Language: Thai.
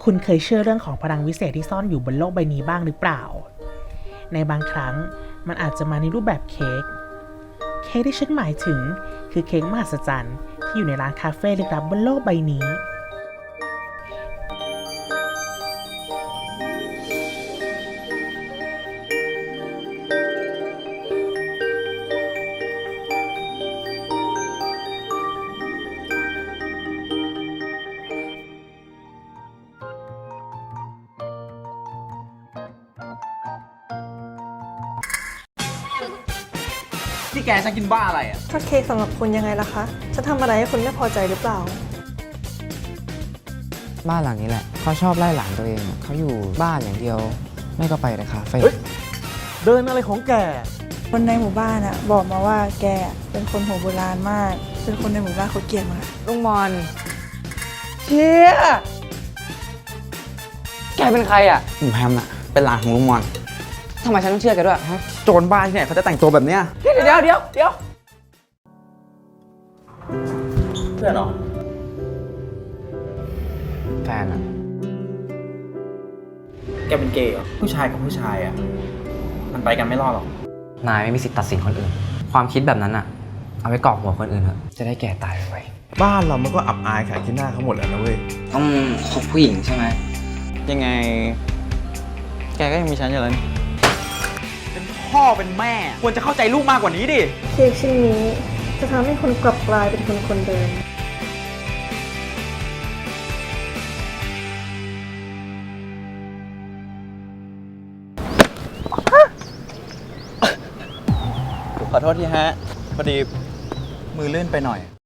คุณเคยเชื่อเรื่องของพลังวิเศษที่ซ่อนอยู่บนโลกใบนี้บ้างหรือเปล่าในบางครั้งมันอาจจะมาในรูปแบบเค้กที่ฉันหมายถึงคือเค้กมหัศจรรย์ที่อยู่ในร้านคาเฟ่ลึกลับบนโลกใบนี้ที่แกจะกินบ้าอะไรอ่ะถ้าเค้กสำหรับคุณยังไงล่ะคะจะทำอะไรให้คุณไม่พอใจหรือเปล่าบ้านหลังนี้แหละเขาชอบไล่หลานตัวเองเขาอยู่บ้านอย่างเดียวไม่ก็ไปแต่คาเฟ่เดินอะไรของแกคนในหมู่บ้านอะบอกมาว่าแกเป็นคนหัวโบราณมากจนคนในหมู่บ้านเขาเกลียดมาลุงมอนเชี่ยแกเป็นใครอ่ะผมแฮมอ่ะเป็นหลานของลุงมอนทำไมฉันต้องเชื่อแกด้วยฮะโจรบ้าที่ไหนเขาจะแต่งตัวแบบเนี้ยเดี๋ยวเพื่อนเหรอแฟนอ่ะแกเป็นเกย์เหรอ ผู้ชายกับผู้ชายอ่ะ มันไปกันไม่รอดหรอกนายไม่มีสิทธิ์ตัดสินคนอื่น ความคิดแบบนั้นอ่ะเอาไว้กรอกหัวคนอื่นเถอะจะได้แก่ตายไวบ้านเรามันก็อับอายขายขี้หน้าเขาหมดแล้วนะเว้ยต้องคบผู้หญิงใช่ไหมยังไง แกก็ยังมีฉันอยู่แล้วนี่เป็นพ่อเป็นแม่ ควรจะเข้าใจลูกมากกว่านี้ดิเค้กชิ้นนี้จะทำให้คุณกลับกลายเป็นคนเดิมขอโทษทีฮะ พอดีมือลื่นไปหน่อย